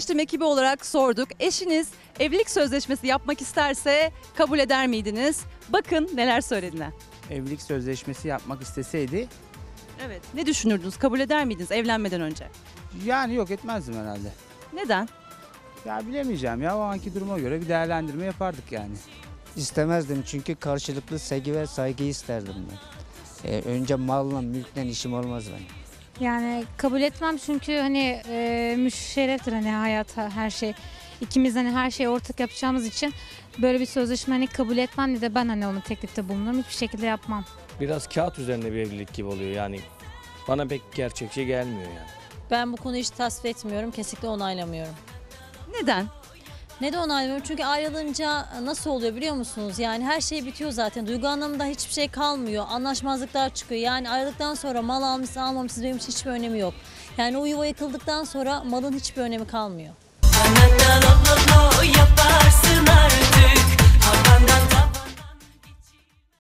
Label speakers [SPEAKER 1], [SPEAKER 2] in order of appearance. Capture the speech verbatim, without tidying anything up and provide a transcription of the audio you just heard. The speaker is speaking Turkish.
[SPEAKER 1] Seçtim ekibi olarak sorduk. Eşiniz evlilik sözleşmesi yapmak isterse kabul eder miydiniz? Bakın neler söylediler.
[SPEAKER 2] Evlilik sözleşmesi yapmak isteseydi
[SPEAKER 1] Evet. Ne düşünürdünüz? Kabul eder miydiniz evlenmeden önce?
[SPEAKER 2] yani yok etmezdim herhalde.
[SPEAKER 1] Neden?
[SPEAKER 2] Ya bilemeyeceğim ya, o anki duruma göre bir değerlendirme yapardık yani.
[SPEAKER 3] İstemezdim çünkü karşılıklı sevgi ve saygıyı isterdim ben. Ee, önce malla mülkten işim olmaz benim.
[SPEAKER 4] Yani kabul etmem çünkü hani e, müşerreftir hani hayat her şey. İkimiz hani her şeyi ortak yapacağımız için böyle bir sözleşme hani kabul etmem ne de ben hani onu teklifte bulunurum. Hiçbir şekilde yapmam.
[SPEAKER 5] Biraz kağıt üzerinde bir evlilik gibi oluyor yani. Bana pek gerçekçi gelmiyor yani.
[SPEAKER 6] Ben bu konuyu hiç tasvip etmiyorum, kesinlikle onaylamıyorum.
[SPEAKER 1] Neden?
[SPEAKER 6] Neden onaylamıyorum? Çünkü ayrılınca nasıl oluyor biliyor musunuz? Yani her şey bitiyor zaten. Duygu anlamında hiçbir şey kalmıyor. Anlaşmazlıklar çıkıyor. Yani ayrıldıktan sonra mal almışsın almamışsın benim için hiçbir önemi yok. Yani o yuva yıkıldıktan sonra malın hiçbir önemi kalmıyor.
[SPEAKER 7] Yaparsın